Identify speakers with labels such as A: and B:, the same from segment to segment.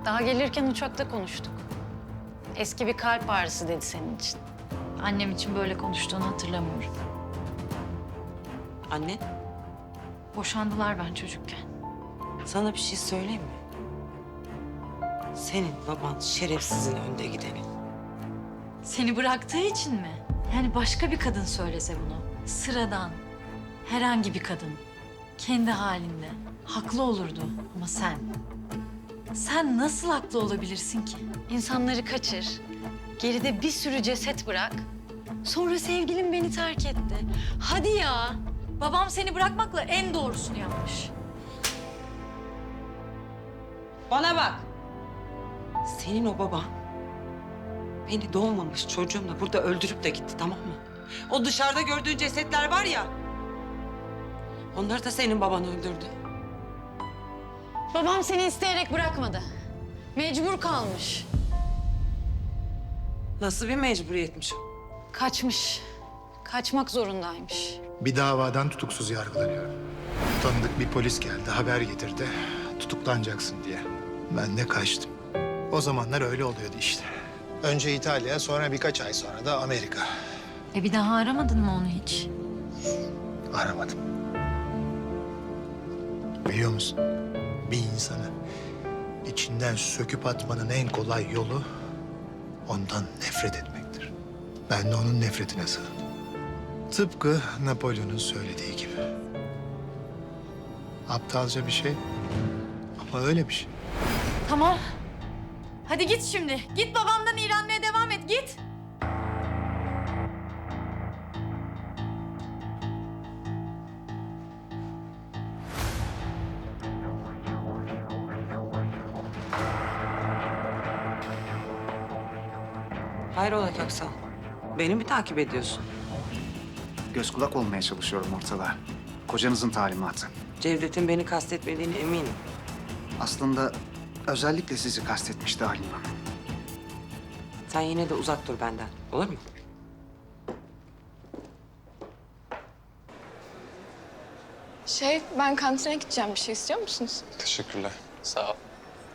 A: Daha gelirken uçakta konuştuk. Eski bir kalp ağrısı dedi senin için. Annem için böyle konuştuğunu hatırlamıyorum.
B: Anne,
A: Boşandılar ben çocukken.
B: sana bir şey söyleyeyim mi? Senin baban şerefsizin önde gideni.
A: Seni bıraktığı için mi? Yani başka bir kadın söylese bunu. Sıradan, herhangi bir kadın. Kendi halinde. Haklı olurdu ama sen. Sen nasıl haklı olabilirsin ki? İnsanları kaçır, geride bir sürü ceset bırak. Sonra sevgilim beni terk etti. Hadi ya. Babam seni bırakmakla en doğrusunu yapmış.
B: Bana bak. Senin o baban beni doğmamış çocuğumla burada öldürüp de gitti, tamam mı? O dışarıda gördüğün cesetler var ya, onları da senin baban öldürdü.
A: Babam seni isteyerek bırakmadı. Mecbur kalmış.
B: Nasıl bir mecburiyetmiş o?
A: Kaçmış. Kaçmak zorundaymış.
C: Bir davadan tutuksuz yargılanıyor. Tanıdık bir polis geldi, haber getirdi. Tutuklanacaksın diye. Ben de kaçtım. O zamanlar öyle oluyordu işte. Önce İtalya, sonra birkaç ay sonra da Amerika.
A: Bir daha aramadın mı onu hiç?
C: Aramadım. Biliyor musun? Bir insanı içinden söküp atmanın en kolay yolu ondan nefret etmektir. Ben de onun nefretine sığındım. Tıpkı Napolyon'un söylediği gibi. Aptalca bir şey ama öyle bir şey.
A: Tamam. Hadi git şimdi. Git babamdan iğrenmeye devam et. Git.
B: Hayrola Köksal? Beni mi takip ediyorsun?
D: Göz kulak olmaya çalışıyorum ortada. Kocanızın talimatı.
B: Cevdet'in beni kastetmediğine eminim.
D: Aslında özellikle sizi kastetmişti Halim Hanım.
B: Sen yine de uzak dur benden, olur mu?
E: Ben kantine gideceğim. Bir şey istiyor musunuz?
F: Teşekkürler. Sağ ol.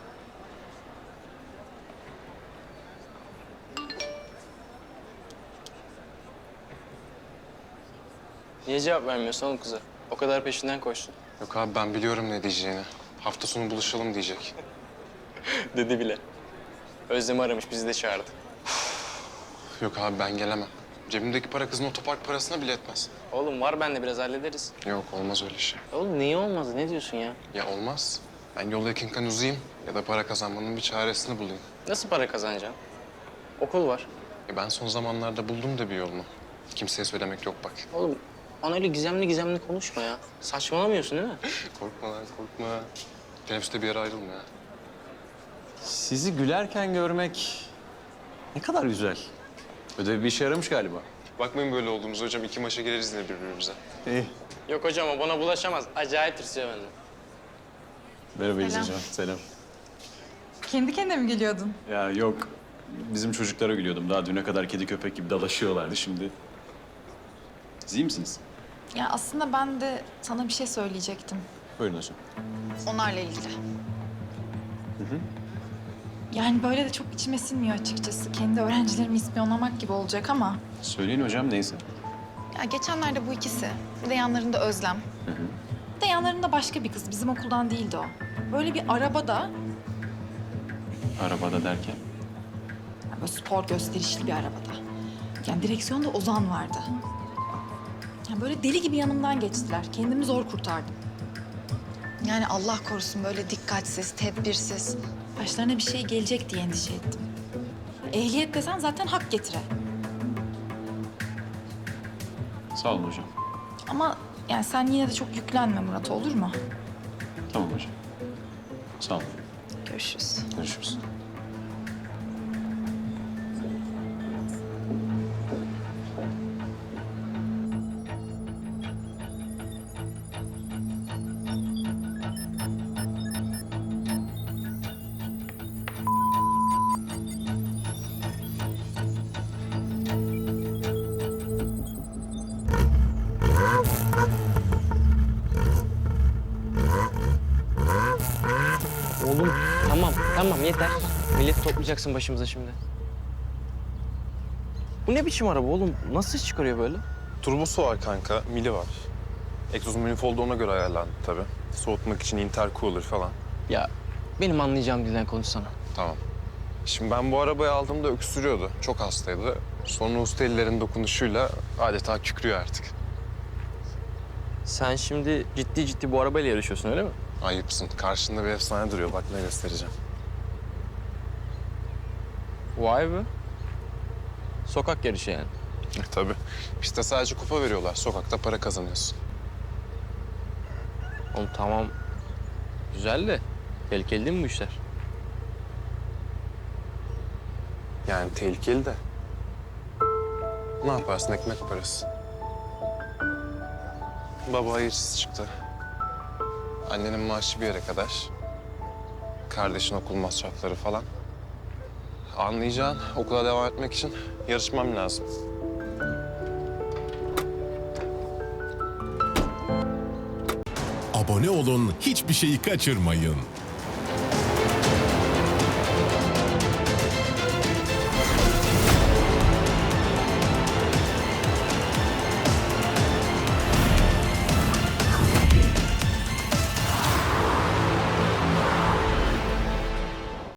G: Niye cevap vermiyorsun oğlum kıza? O kadar peşinden koştun.
F: Yok abi ben biliyorum ne diyeceğini. Hafta sonu buluşalım diyecek.
G: Dedi bile. Özlem'i aramış, bizi de çağırdı.
F: Yok abi ben gelemem. Cebimdeki para kızın otopark parasına bile etmez.
G: Oğlum var bende, biraz hallederiz.
F: Yok olmaz öyle şey.
G: Oğlum niye olmaz? Ne diyorsun ya?
F: Ya olmaz. Ben yolda yakınken uzayayım ya da para kazanmanın bir çaresini bulayım.
G: Nasıl para kazanacaksın? Okul var.
F: Ben son zamanlarda buldum da bir yolunu. Kimseye söylemek yok bak.
G: Oğlum bana öyle gizemli gizemli konuşma ya. Saçmalamıyorsun değil mi?
F: Korkma lan korkma. Teneffüste bir yere ayrılma ya.
H: Sizi gülerken görmek ne kadar güzel. Ödev bir işe yaramış galiba.
F: Bakmayın böyle olduğumuz hocam. 2 maça gireriz yine birbirimize.
H: İyi.
G: Yok hocam, o bana bulaşamaz. Acayip tırsıyor benden.
H: Merhaba İlhan Hocam. Selam.
I: Kendi kendine mi geliyordun?
H: Ya yok. Bizim çocuklara gülüyordum. Daha düne kadar kedi köpek gibi dalaşıyorlardı şimdi. Siz iyi misiniz?
I: Ya aslında ben de sana bir şey söyleyecektim.
H: Buyurun hocam.
I: Onlarla ilgili. Yani böyle de çok içime sinmiyor açıkçası. Kendi öğrencilerimi ispiyonlamak gibi olacak ama...
H: Söyleyin hocam neyse.
I: Ya geçenlerde bu ikisi, bir de yanlarında Özlem. Bir de yanlarında başka bir kız, bizim okuldan değildi o. Böyle bir arabada,
H: Arabada derken.
I: yani böyle spor gösterişli bir arabada. Yani direksiyonda Ozan vardı. Yani böyle deli gibi yanımdan geçtiler. Kendimi zor kurtardım. Yani Allah korusun böyle dikkatsiz, tedbirsiz. Başlarına bir şey gelecek diye endişe ettim. Ehliyet desen zaten hak getire.
H: Sağ olun hocam.
I: Ama yani sen yine de çok yüklenme Murat, olur mu?
H: Tamam hocam. Sağ olun.
I: Görüşürüz.
H: Görüşürüz.
G: Oğlum tamam Tamam yeter. Millet toplayacaksın başımıza şimdi. Bu ne biçim araba oğlum? Nasıl ses çıkarıyor böyle?
F: Turbosu var kanka, mili var. Egzoz manifold ona göre ayarlandı tabii. Soğutmak için intercooler falan.
G: Ya benim anlayacağım dilden konuşsana.
F: Tamam. Şimdi ben bu arabayı aldığımda öksürüyordu. Çok hastaydı. Sonra usta ellerin dokunuşuyla adeta kükrüyor artık.
G: Sen şimdi ciddi ciddi bu arabayla yarışıyorsun öyle mi?
F: Ayıpsın. Karşında bir efsane duruyor. Bak ne göstereceğim.
G: Vay be. Sokak yarışı yani.
F: Tabii. Piste sadece kupa veriyorlar. Sokakta para kazanıyorsun.
G: Oğlum tamam. Güzel de tehlikeli değil mi bu işler?
F: Yani tehlikeli de. Ne yaparsın? Ekmek parası. Baba hayırsız çıktı. Annenin maaşı bir yere kadar. Kardeşin okul masrafları falan. Anlayacağın okula devam etmek için yarışmam lazım.
J: Abone olun, hiçbir şeyi kaçırmayın.